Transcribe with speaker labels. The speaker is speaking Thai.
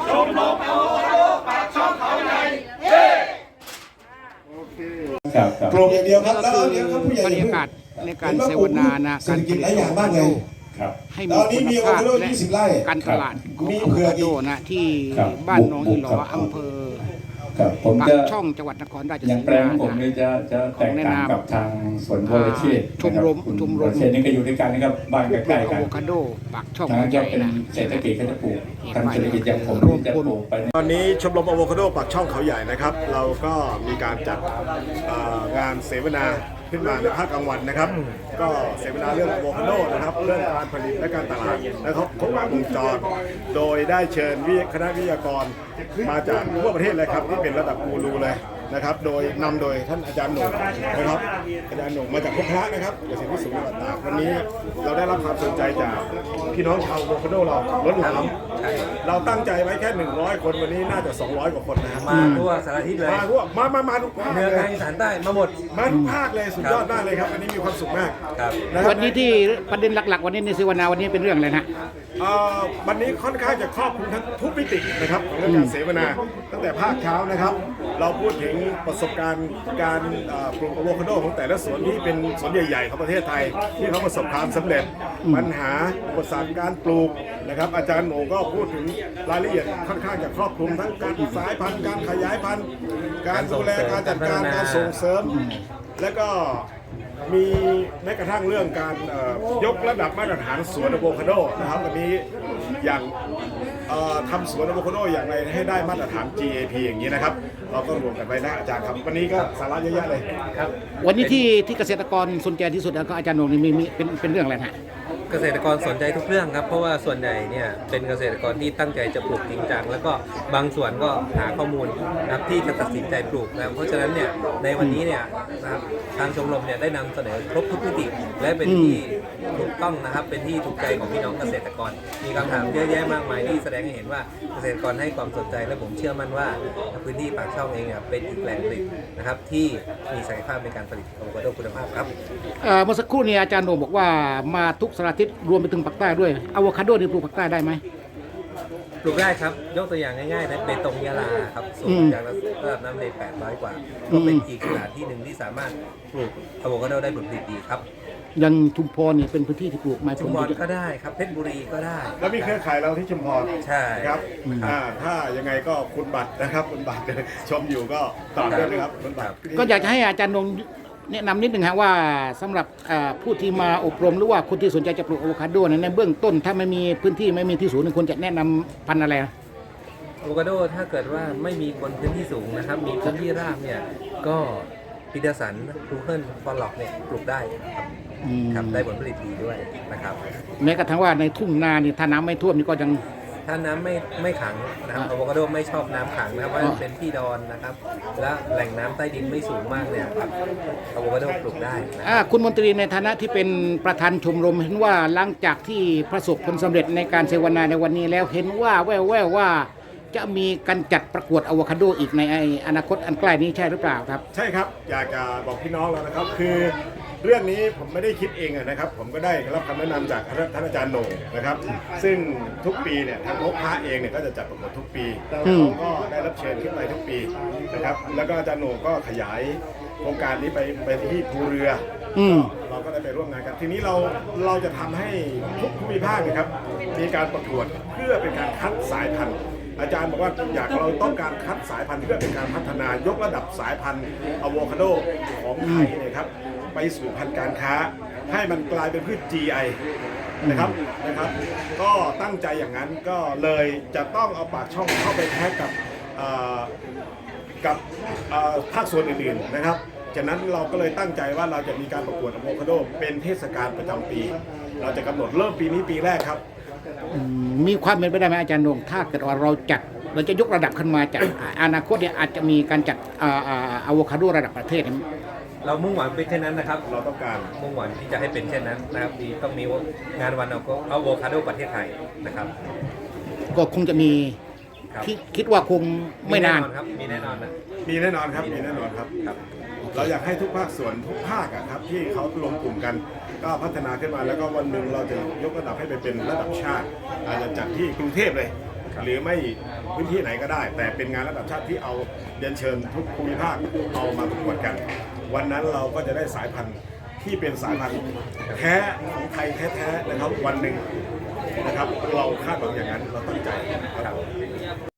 Speaker 1: ชมรมอะโวคาโดปากช่องเขาใหญ่เย้
Speaker 2: ปลูกอย่างเดียวครับ
Speaker 3: ก็
Speaker 2: แล้ว
Speaker 3: คือ
Speaker 2: เดี๋ยวครับผู้ใหญ่
Speaker 3: บรรยากาศในการเสวนานะ
Speaker 2: เศรษฐกิจหลายอย่างมากเลย
Speaker 3: ให้มีคุณภาพและการตลาดของอะโวคาโดนะที่บ้านหนองอีหลออำเภอ
Speaker 4: ครับผม
Speaker 3: ปา
Speaker 4: จะ
Speaker 3: กช่องจังหวัดนครราช
Speaker 4: อ
Speaker 3: สี
Speaker 4: ย่างแปล
Speaker 3: มาง
Speaker 4: ผมเนี่ยจะแตกต่างกับทางสวนโพลเชษ
Speaker 3: ชมรม
Speaker 4: ชมรมเชษนี่ก็อยู่ด้วยกันนะครับบ้านใกล้ๆกั
Speaker 3: อะ
Speaker 4: น
Speaker 3: โวคาโดปากช่อง
Speaker 4: ทาง
Speaker 3: ให
Speaker 4: จะ
Speaker 3: ญ่
Speaker 4: เป็น
Speaker 3: นะ
Speaker 4: เศรษฐกิจก็จะปลูกทางเศรษฐกิจอย่างผมจะปลูกไป
Speaker 2: ตอนนี้ชมรมอะโวคาโดปากช่องเขาใหญ่นะครับเราก็มีการจัดงานเสวนาขึ้นมาในภาคกลางวันนะครับก็เสวนาเรื่องอะโวคาโดนะครับเรื่องการผลิตและการตลาดและครบวงจรโดยได้เชิญคณะวิทยากรมาจากทั่วประเทศเลยครับที่เป็นระดับกูรูเลยนะครับโดยนำโดยท่านอาจารย์หนุ่มนะครับอาจารย์หนุ่มมาจากพบพระนะครับเกษตรวิสุทธิ์จังหวัดตากวันนี้เราได้รับความสนใจจากพี่น้องชาวอะโวคาโดเราล้นหลามเราตั้งใจไว้แค่100 คนวันนี้น่าจะ200 กว่าคนนะครับ
Speaker 5: มาทั่วสารทิศเลย
Speaker 2: มาทั่วมาทุกภาค
Speaker 5: เหนือ
Speaker 2: เล
Speaker 5: กลาง
Speaker 2: ย
Speaker 5: อีสานใต้มาหมด
Speaker 2: มาทุกภาคเลยสุดยอดมากเลยครับวันนี้มีความสุขมาก
Speaker 5: ครับ
Speaker 2: ะครับ
Speaker 3: วันนี้ที่ประเด็นหลักๆ วันนี้ในเสวนาวันนี้เป็นเรื่องอะไรนะ
Speaker 2: วันนี้ค่อนข้างจะครอบคลุมทั้งทุกมิตินะครับของเรื่องการเสวนาตั้งแต่ภาคเช้านะครับ เราพูดถึงประสบการณ์การปลูกอะโวคาโดของแต่ละสวนที่เป็นสวนใหญ่ๆของประเทศไทย ที่เขาประสบความสำเร็จปัญหาอุปสรรคการปลูกนะครับอาจารย์โหน่งก็พูดถึงรายละเอียดค่อนข้างจะครอบคลุมทั้งการสายพันธุ์การขยายพันธุ์การดูแลการจัดการการส่งเสริม และก็มีแม้กระทั่งเรื่องการยกระดับมาตรฐานสวนอะโวคาโดนะครับวันนี้อย่างทำสวนอะโวคาโดอย่างไรให้ได้มาตรฐาน GAP อย่างนี้นะครับเราก็รวมกันไว้นะอาจารย์ครับวันนี้ก็สาระเยอะแยะเลยครับ
Speaker 3: วันนี้ที่เกษตรกรสนใจที่สุดแล้วก็อาจารย์หนงนี่มีเป็นเรื่องอะไรนะ
Speaker 5: เกษตรกรสนใจทุกเรื่องครับเพราะว่าส่วนใหญ่เนี่ยเป็นเกษตรกรที่ตั้งใจจะปลูกจริงจังแล้วก็บางส่วนก็หาข้อมูลนะครับที่จะตัดสินใจปลูกนะเพราะฉะนั้นเนี่ยในวันนี้เนี่ยนะครับทางชมรมเนี่ยได้นำเสนอครบทุกมิติและเป็นที่ถูกต้องนะครับเป็นที่ถูกใจของพี่น้องเกษตรกรมีคำถามเยอะแยะมากมายที่แสดงให้เห็นว่าเกษตรกรให้ความสนใจและผมเชื่อมั่นว่าพื้นที่ปากช่องเองเป็นอีกแหล่งผลิตนะครับที่มีศักยภาพในการผลิตอะโวคาโดคุณภาพครับ
Speaker 3: เมื่อสักครู่นี้อาจารย์โหนงบอกว่ามาทุกสารทิศรวมไปถึงภาคใต้ด้วยอะโวคาโดนี่ปลูกภาคใต้ได้ไหม
Speaker 5: ปลูกได้ครับยกตัวอย่างง่ายๆนะเบตงยะลาครับสูงจากระดับน้ำทะเล800 กว่าก็เป็นอีกสถานที่หนึ่งที่สามารถปลูกอะโวคาโดได้ผลผลิตดีครับ
Speaker 3: ยังชุมพรนี่เป็นพื้นที่ที่ปลูกไม้ผ
Speaker 5: ชุ
Speaker 3: ล
Speaker 5: มพร
Speaker 3: ดี
Speaker 5: ก็ได้ครับเพชรบุรีก็ได้
Speaker 2: แล้วมีเครือข่ายเราที่ชุมพร
Speaker 5: ใช่
Speaker 2: ครับถ้ายังไงก็คุณบัตรนะครับคุณบัตรชมอยู่ก็ตามด้วยนะครับคุณบัตร
Speaker 3: ก็อยากจะให้อาจารย์นงแนะนำนิดหนึ่งฮะว่าสำหรับผู้ที่มาอบรมหรือว่าคนที่สนใจจะปลูกอะโวคาโดในเบื้องต้นถ้าไม่มีพื้นที่ไม่มีที่ศูนย์ควรจะแนะนำพันธุ์อะไรนะ
Speaker 5: อะโวคาโดถ้าเกิดว่าไม่มีบนพื้นที่สูงนะครับมีพื้นที่ราบเนี่ยก็ปีเตอร์สันทูเคิลฟอลล็อกเนี่ยปลูกได้ครับได้ผลผลิตดีด้วยนะครับ
Speaker 3: แม้กระทั่งว่าในทุ่งนานี่ถ้าน้ำไม่ท่วมนี่ก็ยัง
Speaker 5: ถ้าน้ำไม่ขังนะครับอะโวคาโดไม่ชอบน้ำขังนะครับเพราะมันเป็นที่ดอนนะครับและแหล่งน้ำใต้ดินไม่สูงมากเนี่ยครับอะโวคาโดปลูกได้นะครับ
Speaker 3: คุณมนตรีในฐานะที่เป็นประธานชมรมเห็นว่าหลังจากที่ประสบผลสำเร็จในการเสวนาในวันนี้แล้วเห็นว่าแว่วๆว่าจะมีการจัดประกวดอะโวคาโดอีกในอนาคตอันใกล้นี้ใช่หรือเปล่าครับ
Speaker 2: ใช่ครับอยากจะบอกพี่น้องแล้วนะครับคือเรื่องนี้ผมไม่ได้คิดเองนะครับผมก็ได้รับคำแนะนำจากท่านอาจารย์โหน่งนะครับซึ่งทุกปีเนี่ยทางพบพระเองเนี่ยก็จะจัดประกวดทุกปีเราก็ได้รับเชิญขึ้นไปทุกปีนะครับแล้วก็อาจารย์โหน่งก็ขยายโครงการนี้ไปที่ภูเรือเราก็ได้ไปร่วมงานกันทีนี้เราจะทำให้ทุกภูมิภาคนะครับมีการประกวดเพื่อเป็นการคัดสายพันธุ์อาจารย์บอกว่าเราต้องการคัดสายพันธุ์เพื่อเป็นการพัฒนายกระดับสายพันธุ์อะโวคาโดของไทยเนี่ยครับไปสู่พันธุ์การค้าให้มันกลายเป็นพืช GI นะครับก็ตั้งใจอย่างนั้นก็เลยจะต้องเอาปากช่องเข้าไปแท็กกับภาคส่วนอื่นๆนะครับจากนั้นเราก็เลยตั้งใจว่าเราจะมีการประกวดอะโวคาโดเป็นเทศกาลประจำปี เราจะกำหนดเริ่มปีนี้ปีแรกครับ
Speaker 3: มีความเป็นไปได้ไหมอาจารย์นงถ้าเกิดว่าเราจะยกระดับขึ้นมาจากอนาคตเนี่ยอาจจะมีการจัดอะโวคาโดระดับประเทศ
Speaker 5: เรามุ่งหวังเป็นเช่นนั้นนะครับ
Speaker 2: เราต้องการ
Speaker 5: มุ่งหวังที่จะให้เป็นเช่นนั้นนะครับต้องมีงานวันอะโวคาโดประเทศไทยนะครับ
Speaker 3: ก็คงจะมี
Speaker 5: ครับ
Speaker 3: คิดว่าคงไม่นาน
Speaker 5: ครับมีแน่นอนนะ
Speaker 2: มีแน่นอนครับมีแน่นอนครับ เราอยากให้ทุกภาคส่วนทุกภาคครับที่เขารวมกลุ่มกัน ก็พัฒนาขึ้นมาแล้วก็วันหนึ่งเราจะยกระดับให้ไปเป็นระดับชาติอาจจะจัดที่กรุงเทพเลยหรือไม่พื้นที่ไหนก็ได้ แต่เป็นงานระดับชาติที่เอาเรียนเชิญทุกภูมิภาคเอามาประกวดกัน วันนั้นเราก็จะได้สายพันธุ์ที่เป็นสายพันธุ์แท้ของไทยแท้ๆนะครับวันหนึ่งนะครับเราคาดหวังอย่างนั้นเราตั้งใจครับ